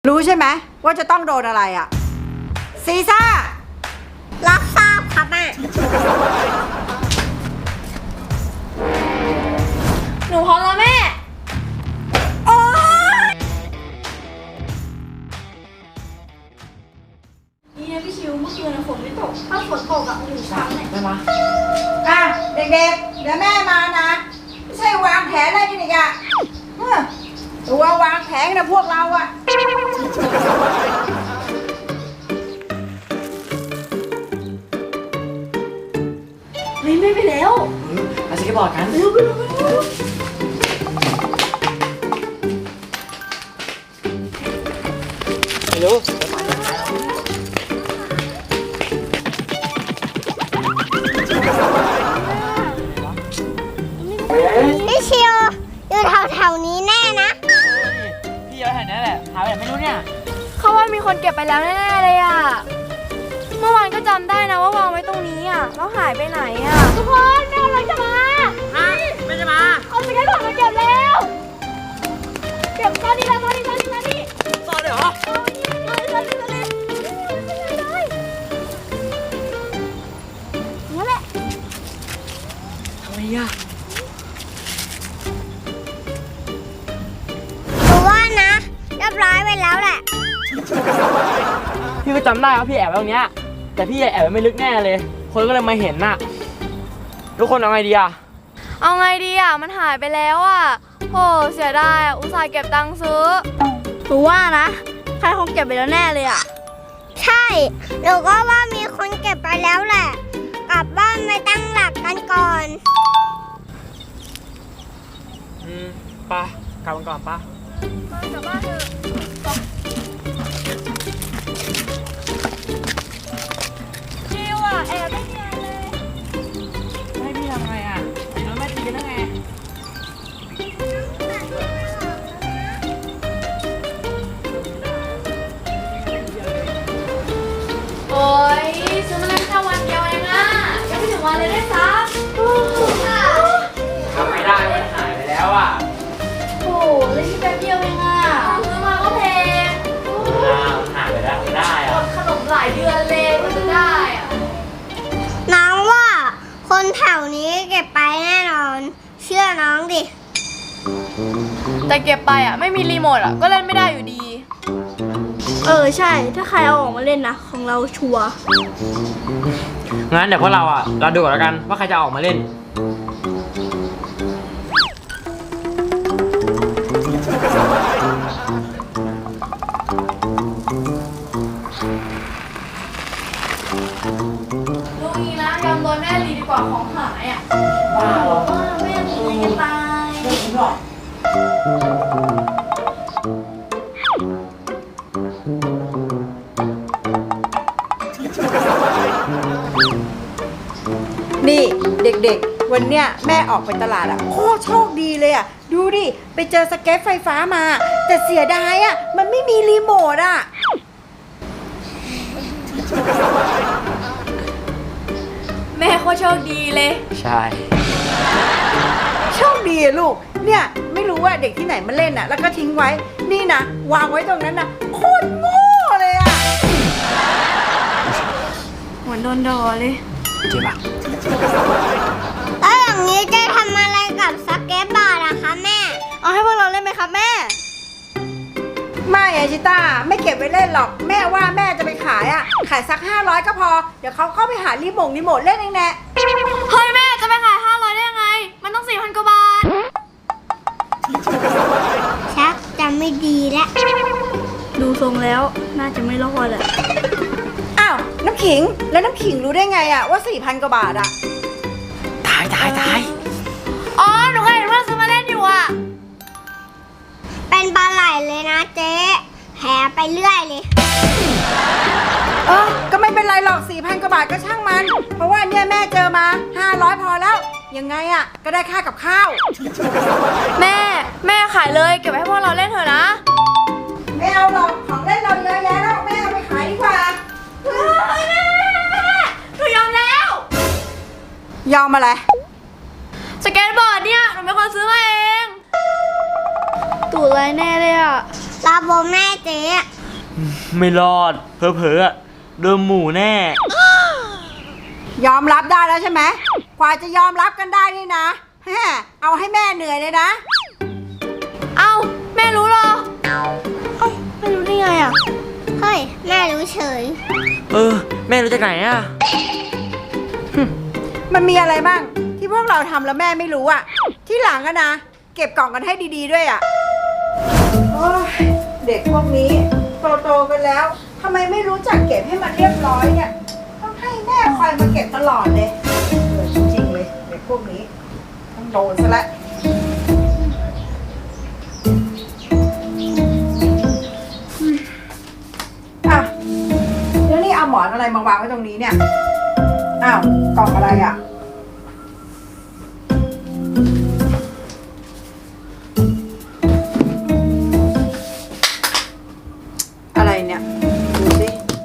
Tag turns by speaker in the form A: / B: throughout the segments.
A: รู้ใช่ไหมว่าจะต้องโดนอะไรอ่ะซีซ่า
B: รับทราบครับแม่
C: หนูพร้อมแล้วแม่
A: โอ๊ย
C: นี่นะพี่ชิวเมื่อคืนฝนไม่ตกถ้าฝนตกอ่ะโอ้โหช้ำเลย
D: ได้ปะ
A: อ่ะเด็กๆเดี๋ยวแม่มานะไม่ใช่วางแผนอะไรกันอีกอ่ะตัววางแผนนะพวกเราอ่ะ
C: เฮ้ยไม่ไปแล้ว
D: มาสเก็ตบอร์ดกันไม่รู้
B: พี่ชิวอยู่แถวๆนี้แน่นะ
D: พี่เอาแถวนี้แหละหาแบบไม่รู้เนี่ย
C: เขาว่ามีคนเก็บไปแล้วแน่ๆเลยอ่ะเมื่อวานก็จำได้นะว่าวางไว้ตรงนี้อ่ะแล้วหายไปไหนอ่ะทุกคนแม่กำลังจะมา
D: ไม่จะมา
C: เอาสเก็ตบอร์ดมาเก็บแล้วเก็บตอนนี้แล้วตอนนี้
D: ต่อเลยเหรอ
C: นั่นแหละ
D: ทำไมอ่ะ
B: หนูว่านะเรียบร้อยไปแล้วแหละ
D: พี่ก็จำได้ว่าพี่แอบไว้ตรงเนี้ยแต่พี่แอบไว้ไม่ลึกแน่เลยคนก็เลยมาเห็นน่ะทุกคนเอาไงดีอ่ะ
C: เอาไงดีอ่ะมันหายไปแล้วอ่ะโหเสียดายอ่ะอุตส่าห์เก็บตังค์ซื้อหนูว่านะใครคงเก็บไปแล้วแน่เลยอ่ะ
B: ใช่หนูก็ว่ามีคนเก็บไปแล้วแหละกลับบ้านไปตั้งหลักกันก่อน
D: ไปกลับกันก่อนปะ
C: กลับบ้านเถอะชิวอ่ะแอบไม่เนียนเลย
D: ให้พี่ทำไงอ่ะตีน้องแม่ตีกันได้ไง
C: โอ๊ยซื้อมาเล่นแค่วันเดียวเองอ่ะยังไม่ถึงวันเลยได้ซับ
D: ทำไม่ได้มันหายไปแล้วอ่ะ
C: โอ้เล่นแค่แป๊บเดียวเองอ่ะซื้อมาก็แพง
D: หายไปแล้วไม่ได้อ่ะ
C: ขนมหลายเดือนเลยกว่าจะได้อ่ะ
B: น้องว่าคนแถวนี้เก็บไปแน่นอนเชื่อน้องดิ
C: แต่เก็บไปอ่ะไม่มีรีโมทอ่ะก็เล่นไม่ได้อยู่ดีใช่ถ้าใครเอาออกมาเล่นนะของเราชัวร์
D: งั้นเดี๋ยวพวกเราอ่ะเราดูก่อนแล้วกันว่าใครจะออกมาเล่น
C: ลูกนี้นะยอมโดนแม่ดีกว่าของหายอ่ะ
D: ว้าว
C: แม่ตีกันตาย
D: ไม่จริงหรอก
A: นี่เด็กๆวันเนี้ยแม่ออกไปตลาดอ่ะโคตรโชคดีเลยอ่ะดูดิไปเจอสเก็ตไฟฟ้ามาแต่เสียดายอ่ะมันไม่มีรีโมทอ่ะ
C: แม่โคตรโชคดีเลย
D: ใช่
A: โชคดีอะลูกเนี่ยไม่รู้ว่าเด็กที่ไหนมาเล่นอ่ะแล้วก็ทิ้งไว้นี่นะวางไว้ตรงนั้นนะโคตรโง่เลยอ่ะ
C: เหมือนโดนด่าเลย
D: เจ็บปะ
B: แล้วอย่างนี้จะทำอะไรกับสเก็ตบอร์ดอะคะแม่
C: เอาให้พวกเราเล่นไหมครับแม่
A: ไม่อะชิต้าไม่เก็บไว้เล่นหรอกแม่ว่าแม่จะไปขายอ่ะขายสัก500ก็พอเดี๋ยวเขาเข้าไปหารีโมทเล่นเองแน่
C: เฮ้ยแม่จะไปขาย500ได้ยังไงมันต้อง 4,000 กว่าบาท
B: ชักจะไม่ดีแล้ว
C: ดูทรงแล้วน่าจะไม่รอดแหละ
A: อ้าวน้ำขิงแล้วน้ำขิงรู้ได้ไงอ่ะว่า 4,000 กว่าบาทอ่ะ
D: ตาย
C: อ๋อหนูเคยเห็นเพื่อนซื้อมาเล่นอยู่อ่ะ
B: เป็นปลาไหลเลยนะเจ๊แหไปเรื่อยเลย
A: ก็ไม่เป็นไรหรอก 4,000 กว่าบาทก็ช่างมันเพราะว่าเนี่ยแม่เจอมา500พอแล้วยังไงอ่ะก็ได้ค่ากับข้าว
C: แม่ขายเลยเก็บไว้ให้พวกเราเล่นเถอะนะ
A: ไม่เอาหรอกของเล่นเราเยอะแยะแล้วแม่เอาไปขายดีกว่า
C: หนูยอมแล้ว
A: ยอมอะไร
C: สเก็ตบอร์ดเนี่ยหนูเป็นคนซื้อมาเองตู่ไรแน่เลยอ่ะ
B: ตาโบแม่เจ๊
D: ไม่รอดเผลอๆอะโดนหมูแน่
A: ยอมรับได้แล้วใช่ไหมกว่าจะยอมรับกันได้นี่นะแฮเอาให้แม่เหนื่อยเลยนะ
C: เอ้าแม่รู้เหรอไม่รู้ได้ไงอ่ะ
B: เฮ้ย แม่รู้เฉย
D: แม่รู้จากไหนอะ
A: มันมีอะไรบ้างที่พวกเราทำแล้วแม่ไม่รู้อะที่หลังอะนะ เก็บกล่องกันให้ดีๆด้วยอะโอ้ยเด็กพวกนี้โตๆกันแล้วทำไมไม่รู้จักเก็บให้มันเรียบร้อยเนี่ยต้องให้แม่คอยมาเก็บตลอดเลยจริงๆเลยเด็กพวกนี้ต้องโดนซะแล้วอ่ะแล้วนี่เอาหมอนอะไรมาวางไว้ตรงนี้เนี่ยอ้าวกล่องอะไรอ่ะอะไรเนี่ยดูสิ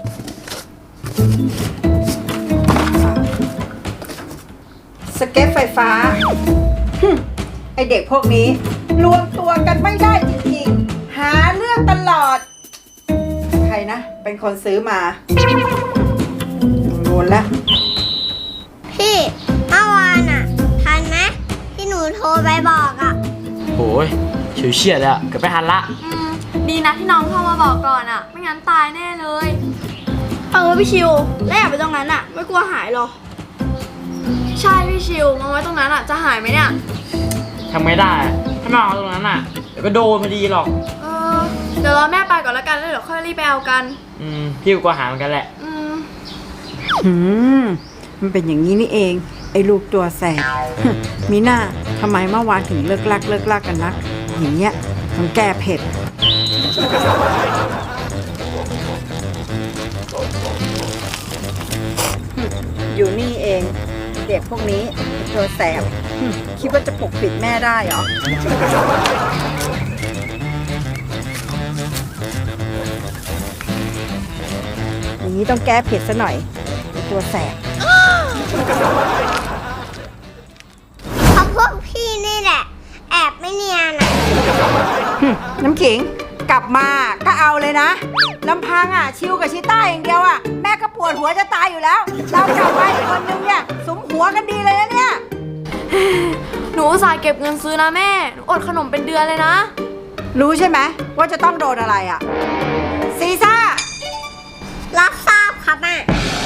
A: สเก็ตไฟฟ้าไอเด็กพวกนี้รวมตัวกันไม่ได้จริงๆหาเรื่องตลอดใครนะเป็นคนซื้อมาโดนแล้ว
B: พี่เมื่อวานอ่ะ ทันไหมที่หนูโทรไปบอกอ่ะ
D: โอ้ยเฉียวเฉียดอะเกือบไม่ทันละ
C: ดีนะที่น้องเข้ามาบอกก่อนอ่ะ ไม่งั้นตายแน่เลยพี่ชิวแล้วอยากไปตรงนั้นอ่ะ ไม่กลัวหายหรอ ใช่พี่ชิวมาไว้ตรงนั้นอ่ะจะหายไหมเนี่ย
D: ทำไม่ได้อะถ้าไม่เอาตรงนั้นอะเดี๋ยวก็โดนพอดีหรอก
C: เดี๋ยวรอแม่ไปก่อนแล้วกันแล้วเดี๋ยวค่อยรีบไปเอากัน
D: พี่ก็กลัวหาเหมือนกันแหละ
A: มันเป็นอย่างนี้นี่เอง ไอ้ลูกตัวแสบ มีหน้าทำไมเมื่อวานถึงเลิกลักกันนัก อย่างเงี้ยต้องแก้เผ็ด อยู่นี่เอง เด็กพวกนี้ตัวแสบ คิดว่าจะปกปิดแม่ได้เหรอ อย่างนี้ต้องแก้เผ็ดซะหน่อยไอ้ตัวแสบ
B: เพราะพวกพี่นี่แหละ แอบไม่เนียนอ่ะ
A: น้ำขิงกลับมาก็เอาเลยนะลำพังอ่ะชิวกับชิต้าอย่างเดียวอ่ะแม่ก็ปวดหัวจะตายอยู่แล้วเรากลับไปอีกคนนึงเนี่ยสมหัวกันดีเลยนะเนี่ย
C: หนูอุตส่าห์เก็บเงินซื้อนะแม่หนูอดขนมเป็นเดือนเลยนะ
A: รู้ใช่ไหมว่าจะต้องโดนอะไรอ่ะซีซ่า
B: รับทราบครับแม่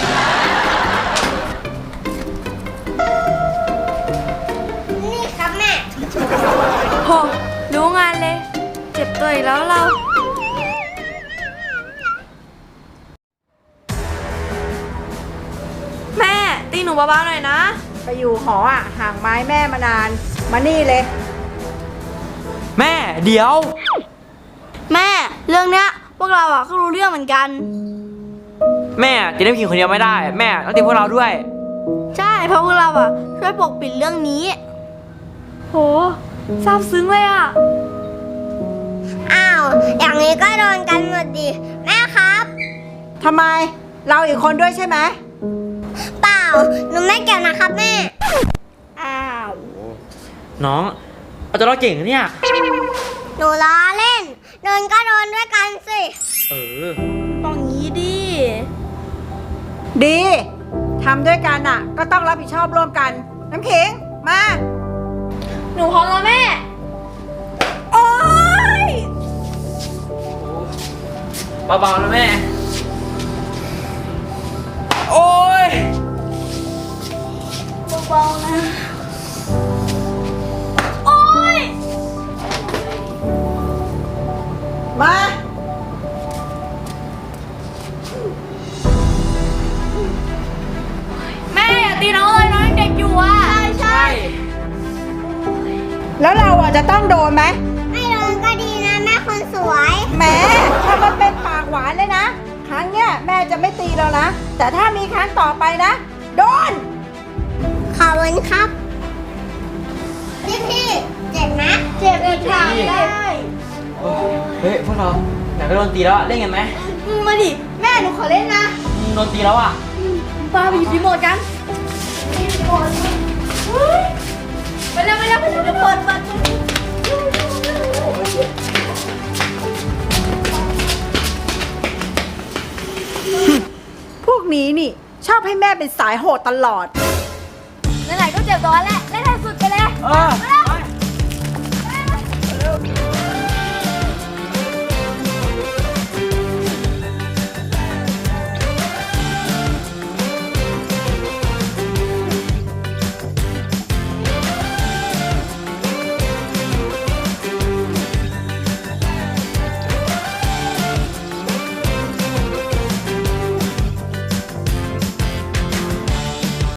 B: นี่ครับแม่
C: โหรู้งานเลย เจ็บตัวอีกแล้วเรา แม่ตีหนูเบาๆหน่อยนะ
A: ไปอยู่หออ่ะห่างไม้แม่มานานมานี่เลย
D: แม่เดี๋ยว
C: แม่เรื่องเนี้ยพวกเราอ่ะก็รู้เรื่องเหมือนกัน
D: แม่ตีน้ำขิงคนเดียวไม่ได้ แม่ต้องตีพวกเราด้วย
C: ใช่เพราะพวกเราอ่ะช่วยปกปิดเรื่องนี้ โหซาบซึ้งเลยอ่ะ
B: อ้าว อย่างนี้ก็โดนกันหมดดิ แม่ครับ
A: ทำไมเราอีกคนด้วยใช่ไหม
B: เปล่า หนูไม่เกี่ยวนะครับแม่
A: อ้าว
D: น้องเอาตัวเราเก่งนะเนี่ย
B: หนูล้อเล่น โดนก็โดนด้วยกันสิ
D: เออ
C: ต้องงี้ดิ
A: ดีทำด้วยกันอ่ะ ก็ต้องรับผิดชอบร่วมกัน น้ำขิงมา
C: หนูพร้อมแล้วแม่
A: โอ๊ย
D: เบาๆนะแม่ โอ้ย
C: เบาๆนะ โอ๊ย
A: มา
C: แม่อย่าตีน้องเลยน้องยังเด็กอยู่อ่ะ ใช่
A: แล้วเราอ่ะจะต้องโดนไหม
B: ไม่โดนก็ดีนะแม่คนสวย
A: แหมถ้ามันเป็นปากหวานเลยนะ ครั้งเนี้ยแม่จะไม่ตีแล้วนะ แต่ถ้ามีครั้งต่อไปนะ โดน
B: ขอบคุณครับ พี่เจ็บไหม
C: เจ็บอีกค่ะได้
D: เฮ้ยพวกเราอยากไปโดนตีแล้วอะเล่นกันไหม
C: มาดิ แม่หนูขอเล่นนะ
D: โดนตีแล้วอ่ะ
C: ปาไปหยิบรีโมทกันรีโมทเฮ้ยไปเร็วเดี๋ยวเปิด
A: มนี้นี่ ชอบให้แม่เป็นสายโหดตลอด
C: ไหนๆก็เจ็บตัวแล้วแหละ